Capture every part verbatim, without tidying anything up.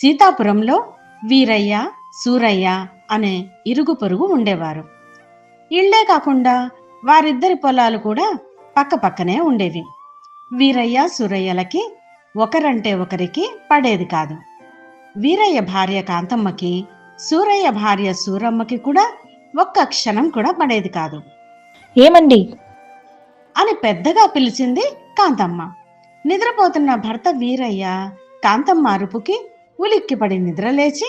సీతాపురంలో వీరయ్య, సూరయ్య అనే ఇరుగు పొరుగు ఉండేవారు. ఇళ్లే కాకుండా వారిద్దరి పొలాలు కూడా పక్క పక్కనే ఉండేవి. వీరయ్య, సూరయ్యలకి ఒకరంటే ఒకరికి పడేది కాదు. వీరయ్య భార్య కాంతమ్మకి, సూరయ్య భార్య సూరమ్మకి కూడా ఒక్క క్షణం కూడా పడేది కాదు. ఏమండి అని పెద్దగా పిలిచింది కాంతమ్మ. నిద్రపోతున్న భర్త వీరయ్య కాంతమ్మ అరుపుకి ఉలిక్కిపడి నిద్రలేచి,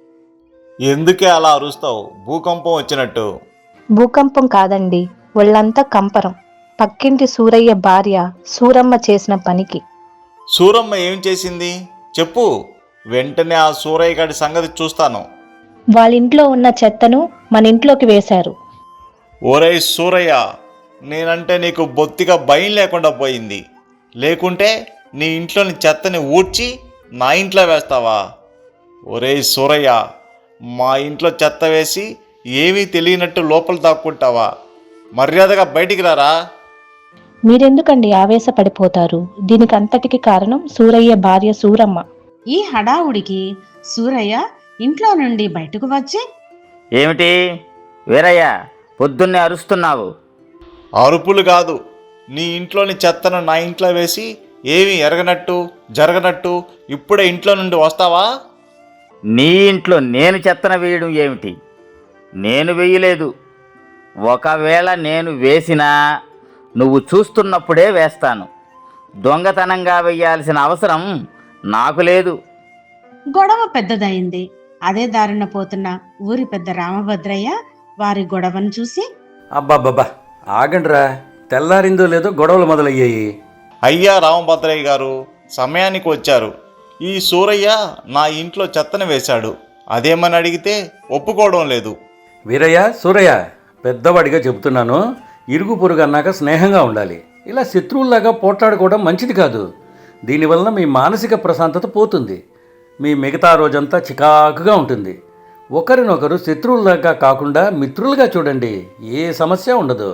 ఎందుకే అలా అరుస్తావు? భూకంపం వచ్చినట్టు. భూకంపం కాదండి, ఒళ్ళంతా కంపరం. పక్కింటి సూరయ్య భార్య సూరమ్మ చేసిన పనికి. సూరమ్మ ఏం చేసింది చెప్పు, వెంటనే ఆ సూరయ్య గారి సంగతి చూస్తాను. వాళ్ళింట్లో ఉన్న చెత్తను మన ఇంట్లోకి వేశారు. ఓరేయ్ సూరయ్య, నేనంటే నీకు బొత్తిగా భయం లేకుండా పోయింది. లేకుంటే నీ ఇంట్లోని చెత్తని ఊడ్చి నా ఇంట్లో వేస్తావా? ఒరేయ్ సూరయ్య, మా ఇంట్లో చెత్త వేసి ఏమీ తెలియనట్టు లోపల దాక్కుంటావా? మర్యాదగా బయటికి రారా. మీరెందుకండి ఆవేశపడిపోతారు? దీనికి అంతటికి కారణం సూరయ్య భార్య సూరమ్మ. ఈ హడావుడికి సూరయ్య ఇంట్లో నుండి బయటకు వచ్చి, ఏమిటి వీరయ్య, పొద్దున్నే అరుస్తున్నావు? అరుపులు కాదు, నీ ఇంట్లోని చెత్తను నా ఇంట్లో వేసి ఏమీ ఎరగనట్టు జరగనట్టు ఇప్పుడే ఇంట్లో నుండి వస్తావా? నీ ఇంట్లో నేను చెత్తన వేయడం ఏమిటి? నేను వేయలేదు. ఒకవేళ నేను వేసినా నువ్వు చూస్తున్నప్పుడే వేస్తాను. దొంగతనంగా వేయాల్సిన అవసరం నాకు లేదు. గొడవ పెద్దదయింది. అదే దారిన పోతున్న ఊరి పెద్ద రామభద్రయ్య వారి గొడవను చూసి, అబ్బాబ్బా ఆగండ్రా, తెల్లారిందో లేదో గొడవలు మొదలయ్యాయి. అయ్యా రామభద్రయ్య గారు, సమయానికి వచ్చారు. ఈ సూరయ్య నా ఇంట్లో చెత్తను వేశాడు, అదేమని అడిగితే ఒప్పుకోవడం లేదు. వీరయ్య, సూరయ్య, పెద్దవాడిగా చెబుతున్నాను, ఇరుగు పొరుగు అన్నాక స్నేహంగా ఉండాలి. ఇలా శత్రువుల్లాగా పోట్లాడుకోవడం మంచిది కాదు. దీనివల్ల మీ మానసిక ప్రశాంతత పోతుంది. మీ మిగతా రోజంతా చికాకుగా ఉంటుంది. ఒకరినొకరు శత్రువుల్లాగా కాకుండా మిత్రులుగా చూడండి, ఏ సమస్య ఉండదు.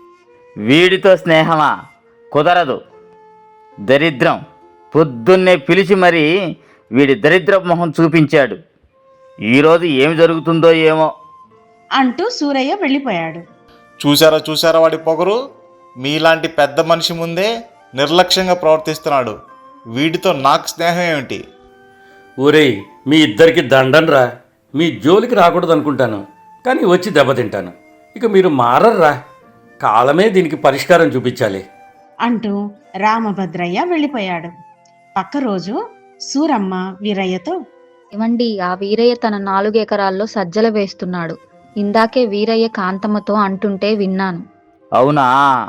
వీడితో స్నేహమా? కుదరదు. దరిద్రం. పొద్దున్నే పిలిచి మరీ వీడి దరిద్ర మొహం చూపించాడు. ఈరోజు ఏమి జరుగుతుందో ఏమో అంటూ సూరయ్య వెళ్ళిపోయాడు. చూసారా చూసారా వాడి పొగరు? మీలాంటి పెద్ద మనిషి ముందే నిర్లక్ష్యంగా ప్రవర్తిస్తున్నాడు. వీడితో నాకు స్నేహం ఏమిటి? ఊరేయ్, మీ ఇద్దరికి దండన్రా. మీ జోలికి రాకూడదు అనుకుంటాను, కానీ వచ్చి దెబ్బతింటాను. ఇక మీరు మారర్రా. కాలమే దీనికి పరిష్కారం చూపించాలి అంటూ రామభద్రయ్య వెళ్ళిపోయాడు. పక్క రోజు సూరమ్మ వీరయ్యతో, ఏమండి, ఆ వీరయ్య తన నాలుగు ఎకరాల్లో సజ్జల వేస్తున్నాడు. ఇందాకే వీరయ్య కాంతమ్మతో అంటుంటే విన్నాను. అవునా?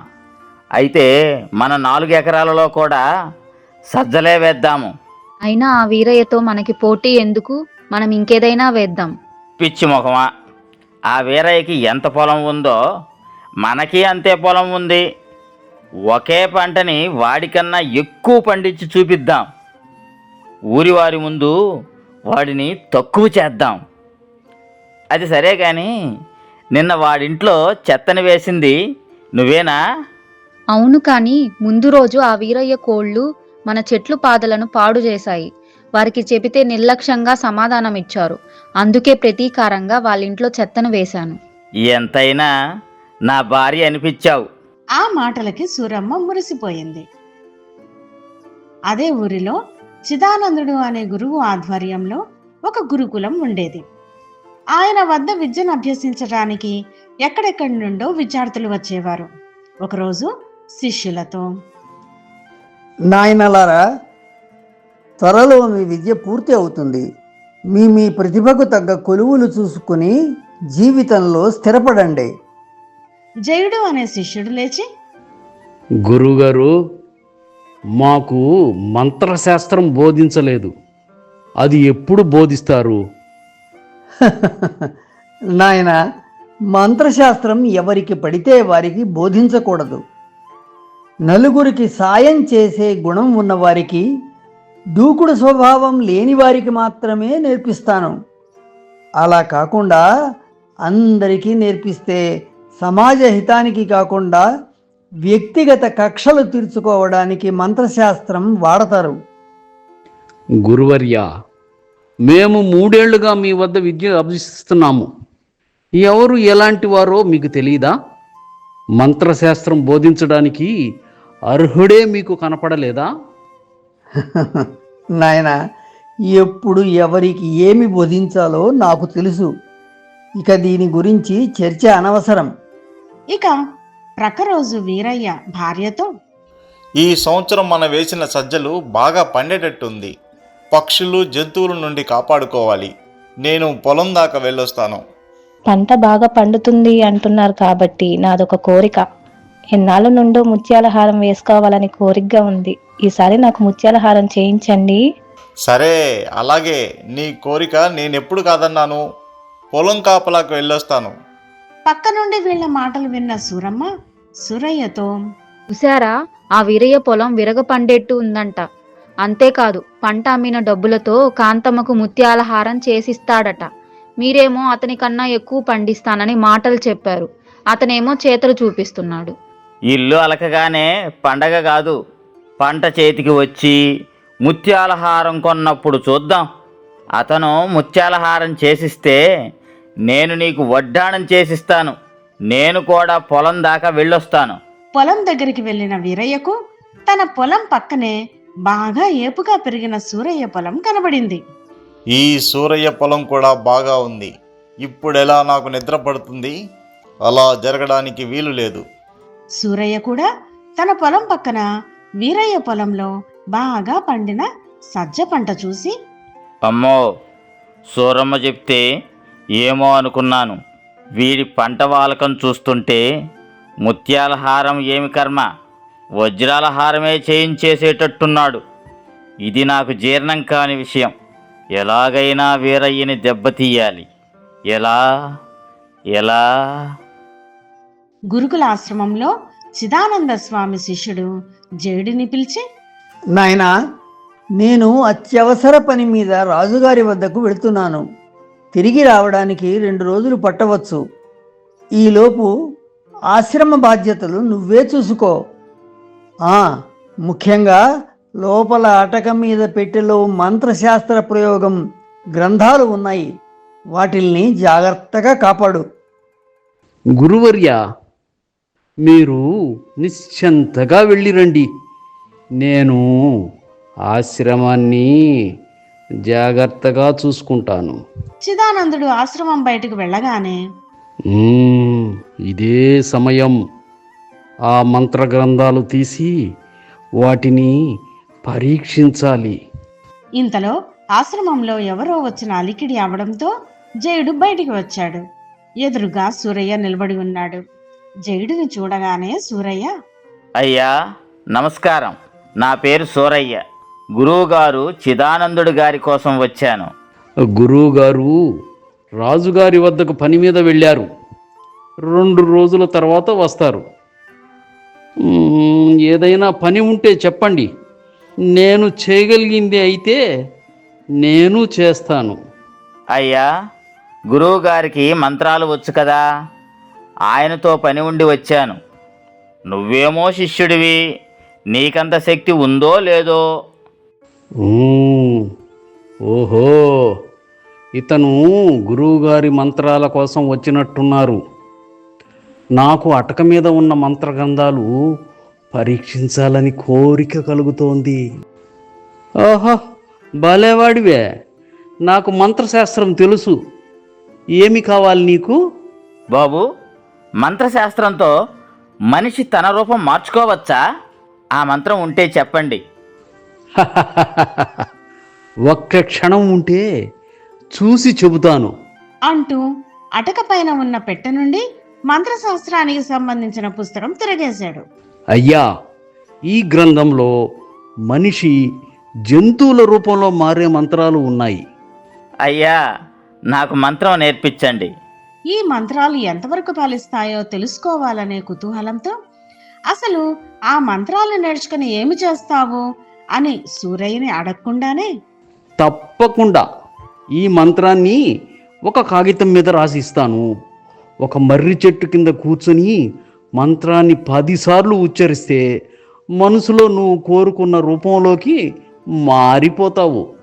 అయితే మన నాలుగు ఎకరాలలో కూడా సజ్జలే వేద్దాము. అయినా ఆ వీరయ్యతో మనకి పోటీ ఎందుకు? మనం ఇంకేదైనా వేద్దాం. పిచ్చి మొఖమా, ఆ వీరయ్యకి ఎంత పొలం ఉందో మనకి అంతే పొలం ఉంది. ఒకే పంటని వాడికన్నా ఎక్కువ పండించి చూపిద్దాం. ఊరి వారి ముందు వాడిని తక్కువ చేద్దాం. అది సరే కానీ నిన్న వాడింట్లో చెత్తని వేసింది నువ్వేనా? అవును, కానీ ముందు రోజు ఆ వీరయ్య కోళ్ళు మన చెట్లు పాదలను పాడు చేశాయి. వారికి చెబితే నిర్లక్ష్యంగా సమాధానం ఇచ్చారు. అందుకే ప్రతీకారంగా వాళ్ళింట్లో చెత్తను వేశాను. ఎంతైనా నా భార్య అనిపించావు. ఆ మాటలకి సూరమ్మ మురిసిపోయింది. అదే ఊరిలో చిదానందుడు అనే గురువు ఆధ్వర్యంలో ఒక గురుకులం ఉండేది. ఆయన వద్ద విద్యను అభ్యసించడానికి ఎక్కడెక్కడి నుండో విద్యార్థులు వచ్చేవారు. ఒకరోజు శిష్యులతో, నాయనలారా, త్వరలో మీ విద్య పూర్తి అవుతుంది. మీ మీ ప్రతిభకు తగ్గ కొలువులు చూసుకుని జీవితంలో స్థిరపడండి. జయుడు అనే శిష్యుడు లేచి, గురుగారు, మాకు మంత్రశాస్త్రం బోధించలేదు, అది ఎప్పుడు బోధిస్తారు? నాయన, మంత్రశాస్త్రం ఎవరికి పడితే వారికి బోధించకూడదు. నలుగురికి సాయం చేసే గుణం ఉన్నవారికి, దూకుడు స్వభావం లేని వారికి మాత్రమే నేర్పిస్తాను. అలా కాకుండా అందరికీ నేర్పిస్తే సమాజ హితానికి కాకుండా వ్యక్తిగత కక్షలు తీర్చుకోవడానికి మంత్రశాస్త్రం వాడతారు. గురువర్య, మేము మూడేళ్లుగా మీ వద్ద విద్య అభ్యసిస్తున్నాము. ఎవరు ఎలాంటి వారో మీకు తెలియదా? మంత్రశాస్త్రం బోధించడానికి అర్హుడే మీకు కనపడలేదా? నాయన, ఎప్పుడు ఎవరికి ఏమి బోధించాలో నాకు తెలుసు. ఇక దీని గురించి చర్చ అనవసరం. ఇక ప్రకరోజు వీరయ్య భార్యతో, ఈ సంవత్సరం మనం వేసిన సజ్జలు బాగా పండేటట్టుంది. పక్షులు జంతువుల నుండి కాపాడుకోవాలి. నేను పొలం దాకా వెళ్ళొస్తాను. పంట బాగా పండుతుంది అంటున్నారు కాబట్టి నాదొక కోరిక. ఎన్నాళ్ళ నుండో ముత్యాల హారం వేసుకోవాలని కోరికగా ఉంది. ఈసారి నాకు ముత్యాల హారం చేయించండి. సరే, అలాగే. నీ కోరిక నేనెప్పుడు కాదన్నాను. పొలం కాపలాకు వెళ్ళొస్తాను. పక్క నుండి వీళ్ళ మాటలు విన్న సూరమ్మ సూరయ్యతో, చూశారా, ఆ వీరయ్య పొలం విరగ పండేట్టు ఉందంట. అంతేకాదు, పంట అమ్మిన డబ్బులతో కాంతమ్మకు ముత్యాల హారం చేసిస్తాడట. మీరేమో అతని కన్నా ఎక్కువ పండిస్తానని మాటలు చెప్పారు. అతనేమో చేతలు చూపిస్తున్నాడు. ఇల్లు అలకగానే పండగ కాదు, పంట చేతికి వచ్చి ముత్యాల హారం కొన్నప్పుడు చూద్దాం. అతను ముత్యాల హారం చేసిస్తే నేను నీకు వడ్డాణం చేసిస్తాను. నేను కూడా పొలం దాకా వెళ్ళొస్తాను. పొలం దగ్గరికి వెళ్ళిన వీరయ్యకు తన పొలం పక్కనే బాగా ఏపుగా పెరిగిన సూరయ్య పొలం కనబడింది. ఈ సూరయ్య పొలం కూడా బాగా ఉంది. ఇప్పుడెలా నాకు నిద్ర పడుతుంది? అలా జరగడానికి వీలు లేదు. సూరయ్య కూడా తన పొలం పక్కన వీరయ్య పొలంలో బాగా పండిన సజ్జ పంట చూసి, అమ్మో, సూరమ్మ చెప్తే ఏమో అనుకున్నాను. వీడి పంట వాలకం చూస్తుంటే ముత్యాల హారం ఏమి కర్మ, వజ్రాల హారమే చేయించేసేటట్టున్నాడు. ఇది నాకు జీర్ణం కాని విషయం. ఎలాగైనా వీరయ్యని దెబ్బతీయాలి. ఎలా ఎలా గురుకుల ఆశ్రమంలో చిదానంద స్వామి శిష్యుడు జేడుని పిలిచి, నాయనా, నేను అత్యవసర పని మీద రాజుగారి వద్దకు వెళుతున్నాను. తిరిగి రావడానికి రెండు రోజులు పట్టవచ్చు. ఈలోపు ఆశ్రమ బాధ్యతలు నువ్వే చూసుకో. ఆ ముఖ్యంగా లోపల అటక మీద పెట్టెలో మంత్రశాస్త్ర ప్రయోగం గ్రంథాలు ఉన్నాయి. వాటిల్ని జాగ్రత్తగా కాపాడు. గురువర్య, మీరు నిశ్చింతగా వెళ్ళిరండి. నేను ఆశ్రమాన్ని జాగ్రత్తగా చూసుకుంటాను. చిదానందుడు ఆశ్రమం బయటకు వెళ్ళగానే, మ్మ్, ఇదే సమయం. ఆ మంత్ర గ్రంథాలు తీసి వాటిని పరీక్షించాలి. ఇంతలో ఆశ్రమంలో ఎవరో వచ్చిన అలికిడి అవడంతో జయుడు బయటికి వచ్చాడు. ఎదురుగా సూరయ్య నిలబడి ఉన్నాడు. జయుడిని చూడగానే సూరయ్య, అయ్యా నమస్కారం. నా పేరు సూరయ్య. గురువుగారు చిదానందుడు గారి కోసం వచ్చాను. గురువుగారు రాజుగారి వద్దకు పని మీద వెళ్ళారు. రెండు రోజుల తర్వాత వస్తారు. మ్మ్, ఏదైనా పని ఉంటే చెప్పండి. నేను చేయగలిగింది అయితే నేను చేస్తాను. అయ్యా, గురువుగారికి మంత్రాలు వచ్చు కదా, ఆయనతో పని ఉండి వచ్చాను. నువ్వేమో శిష్యుడివి, నీకంత శక్తి ఉందో లేదో. మ్మ్, ఓహో, ఇతను గురువుగారి మంత్రాల కోసం వచ్చినట్టున్నారు. నాకు అటక మీద ఉన్న మంత్రగ్రంథాలు పరీక్షించాలని కోరిక కలుగుతోంది. ఓహో, భలేవాడివే. నాకు మంత్రశాస్త్రం తెలుసు. ఏమి కావాలి నీకు? బాబు, మంత్రశాస్త్రంతో మనిషి తన రూపం మార్చుకోవచ్చా? ఆ మంత్రం ఉంటే చెప్పండి. ఒక్క క్షణం ఉంటే చూసి చెబుతాను అంటూ అటక పైన ఉన్న పెట్టె నుండి మంత్రశాస్త్రానికి సంబంధించిన పుస్తకం తిరగేశాడు. అయ్యా, ఈ గ్రంథంలో మనిషి జంతువుల రూపంలో మారే మంత్రాలు ఉన్నాయి. అయ్యా, నాకు మంత్రం నేర్పించండి. ఈ మంత్రాలు ఎంతవరకు ఫలిస్తాయో తెలుసుకోవాలనే కుతూహలంతో, అసలు ఆ మంత్రాలు నేర్చుకుని ఏమి చేస్తావు అని సూరయ్యని అడగకుండానే, తప్పకుండా ఈ మంత్రాన్ని ఒక కాగితం మీద రాసిస్తాను. ఒక మర్రి చెట్టు కింద కూర్చొని మంత్రాన్ని పదిసార్లు ఉచ్చరిస్తే మనసులో నువ్వు కోరుకున్న రూపంలోకి మారిపోతావు.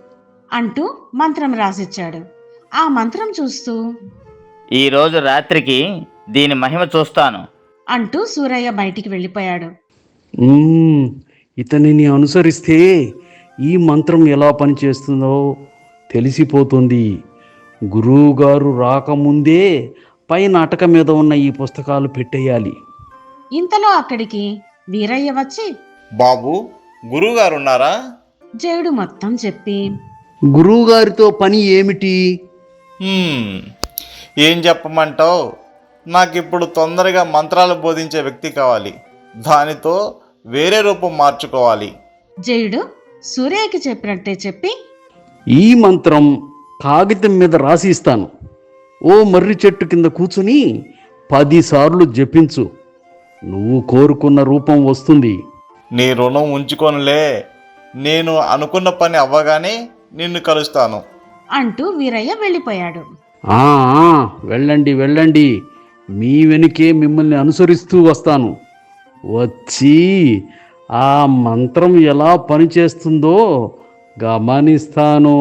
అంటూ మంత్రం రాసిచ్చాడు. ఆ మంత్రం చూస్తూ ఈరోజు రాత్రికి దీని మహిమ చూస్తాను. అంటూ సూరయ్య బయటికి వెళ్ళిపోయాడు. మ్మ్, ఇతనిని అనుసరిస్తే ఈ మంత్రం ఎలా పనిచేస్తుందో తెలిసిపోతుంది. గురువుగారు రాకముందే పైన అటక మీద ఉన్న ఈ పుస్తకాలు పెట్టేయాలి. ఇంతలో అక్కడికి వీరయ్య వచ్చి బాబు, గురువుగారు ఉన్నారా? జయుడు మొత్తం చెప్పి గురువుగారితో పని ఏమిటి? హ్మ్, ఏం చెప్పమంటావు? నాకిప్పుడు తొందరగా మంత్రాలు బోధించే వ్యక్తి కావాలి. దానితో వేరే రూపం మార్చుకోవాలి. జయుడు సూరయ్యకి చెప్పినట్టే చెప్పి ఈ మంత్రం కాగితం మీద రాసి ఇస్తాను. ఓ మర్రి చెట్టు కింద కూర్చుని పదిసార్లు జపించు. నువ్వు కోరుకున్న రూపం వస్తుంది. నీ రుణం ఉంచుకోనులే. నేను అనుకున్న పని అవ్వగానే నిన్ను కలుస్తాను. అంటూ వీరయ్య వెళ్ళిపోయాడు. ఆ ఆ, వెళ్ళండి వెళ్ళండి, మీ వెనుకే మిమ్మల్ని అనుసరిస్తూ వస్తాను. వచ్చి ఆ మంత్రం ఎలా పనిచేస్తుందో గమనిస్తాను.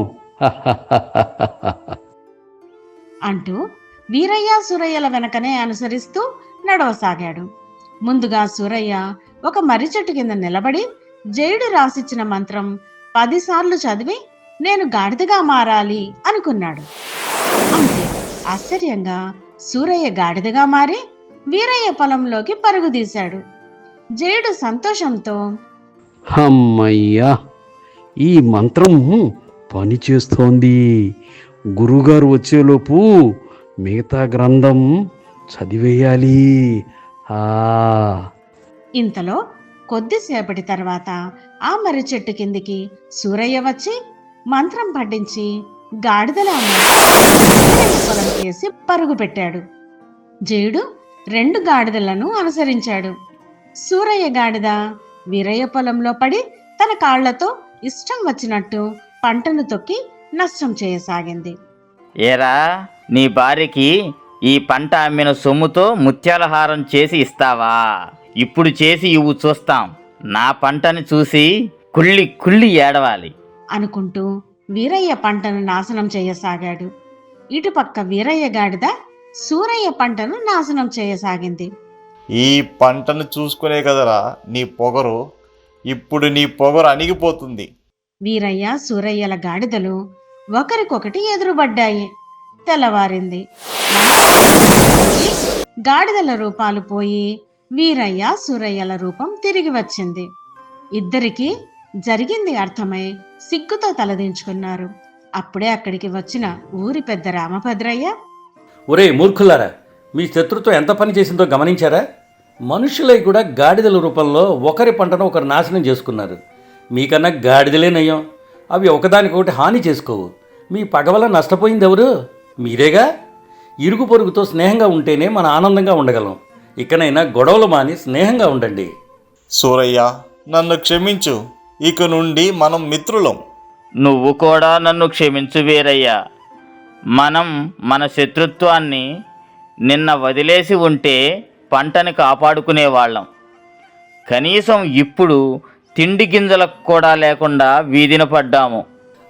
అంటూ వీరయ్య సూరయ్యల వెనకనే అనుసరిస్తూ నడవసాగాడు. ముందుగా సూరయ్య ఒక మర్రి చెట్టు కింద నిలబడి జయుడు రాసిచ్చిన మంత్రం పదిసార్లు చదివి నేను గాడిదగా మారాలి అనుకున్నాడు. అంతే, ఆశ్చర్యంగా సూరయ్య గాడిదగా మారి వీరయ్య పొలంలోకి పరుగు తీశాడు. జయుడు సంతోషంతో అమ్మయ్యా, ఈ మంత్రం పనిచేస్తోంది. గురుగారు వచ్చేలోపు మిగతా గ్రంథం చదివేయాలి. ఆ ఇంతలో కొద్దిసేపటి తర్వాత ఆ మర్రి చెట్టు కిందికి సూరయ్య వచ్చి మంత్రం పఠించి గాడిదలా మారి వీరయ్య పొలం కేసి పరుగు పెట్టాడు. జయుడు రెండు గాడిదలను అనుసరించాడు. సూరయ్య గాడిద వీరయ్య పొలంలో పడి తన కాళ్లతో ఇష్టం వచ్చినట్టు పంటను తొక్కి నష్టం చేయసాగింది. ఏరా, నీ భార్యకి ఈ పంట అమ్మిన సొమ్ముతో ముత్యాల హారం చేసి ఇస్తావా? ఇప్పుడు చేసి ఇవ్వు చూస్తాం. నా పంటని చూసి కుళ్ళి కుళ్ళి ఏడవాలి అనుకుంటూ వీరయ్య పంటను నాశనం చేయసాగాడు. ఇటుపక్క వీరయ్య గాడిద సూరయ్య పంటను నాశనం చేయసాగింది. ఈ పంటను చూసుకునే కదరా నీ పొగరు. ఇప్పుడు నీ పొగరు అణిగిపోతుంది. వీరయ్య సూరయ్యల గాడిదలు ఒకరికొకటి ఎదురుపడ్డాయి. తెల్లవారింది. గాడిదల రూపాలు పోయి వీరయ్య సూరయ్యల రూపం తిరిగి వచ్చింది. ఇద్దరికీ జరిగింది అర్థమై సిగ్గుతో తలదించుకున్నారు. అప్పుడే అక్కడికి వచ్చిన ఊరి పెద్ద రామభద్రయ్య, ఒరే మూర్ఖులారా, మీ శత్రుత్వం ఎంత పని చేసిందో గమనించారా? మనుషులై కూడా గాడిదల రూపంలో ఒకరి పంటను ఒకరు నాశనం చేసుకున్నారు. మీకన్నా గాడిదలే నయం. అవి ఒకదానికొకటి హాని చేసుకోవు. మీ పగ వల్ల నష్టపోయింది ఎవరు? మీరేగా. ఇరుగు పొరుగుతో స్నేహంగా ఉంటేనే మన ఆనందంగా ఉండగలం. ఇకనైనా గొడవలు మాని స్నేహంగా ఉండండి. సూరయ్య, నన్ను క్షమించు. ఇక నుండి మనం మిత్రులం. నువ్వు కూడా నన్ను క్షమించు వీరయ్య. మనం మన శత్రుత్వాన్ని నిన్న వదిలేసి ఉంటే పంటని కాపాడుకునేవాళ్ళం. కనీసం ఇప్పుడు తిండి గింజలకు కూడా లేకుండా వీధిన పడ్డాము.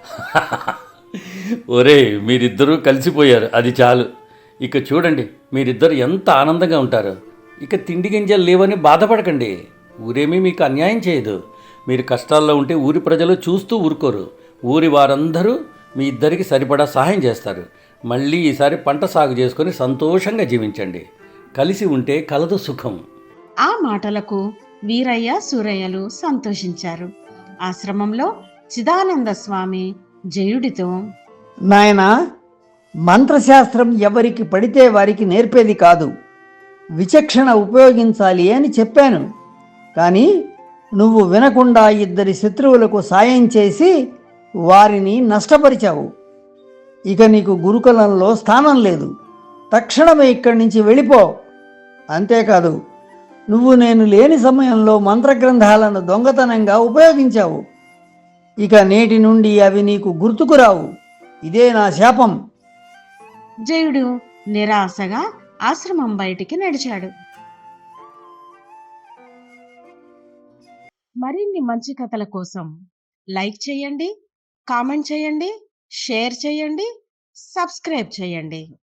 ఒరే, మీరిద్దరూ కలిసిపోయారు, అది చాలు. ఇక చూడండి, మీరిద్దరు ఎంత ఆనందంగా ఉంటారు. ఇక తిండి గింజలు లేవని బాధపడకండి. ఊరేమీ మీకు అన్యాయం చేయదు. మీరు కష్టాల్లో ఉంటే ఊరి ప్రజలు చూస్తూ ఊరుకోరు. ఊరి వారందరూ మీ ఇద్దరికి సరిపడా సహాయం చేస్తారు. మళ్ళీ ఈసారి పంట సాగు చేసుకొని సంతోషంగా జీవించండి. కలిసి ఉంటే కలదు సుఖం. ఆ మాటలకు వీరయ్య సూరయ్యలు సంతోషించారు. ఆశ్రమంలో చిదానంద స్వామి జయుడితో, నాయనా, మంత్రశాస్త్రం ఎవరికి పడితే వారికి నేర్పేది కాదు. విచక్షణ ఉపయోగించాలి అని చెప్పాను. కానీ నువ్వు వినకుండా ఇద్దరి శత్రువులకు సాయం చేసి వారిని నష్టపరిచావు. ఇక నీకు గురుకులంలో స్థానం లేదు. తక్షణమే ఇక్కడి నుంచి వెళ్ళిపో. అంతేకాదు, నువ్వు నేను లేని సమయంలో మంత్రగ్రంథాలను దొంగతనంగా ఉపయోగించావు. ఇక నేటి నుండి అవి నీకు గుర్తుకురావు. ఇదే నా శాపం. జయుడు నిరాశగా ఆశ్రమం బయటికి నడిచాడు. మరిన్ని మంచి కథల కోసం లైక్ చేయండి, కామెంట్ చేయండి, షేర్ చేయండి, సబ్స్క్రైబ్ చేయండి.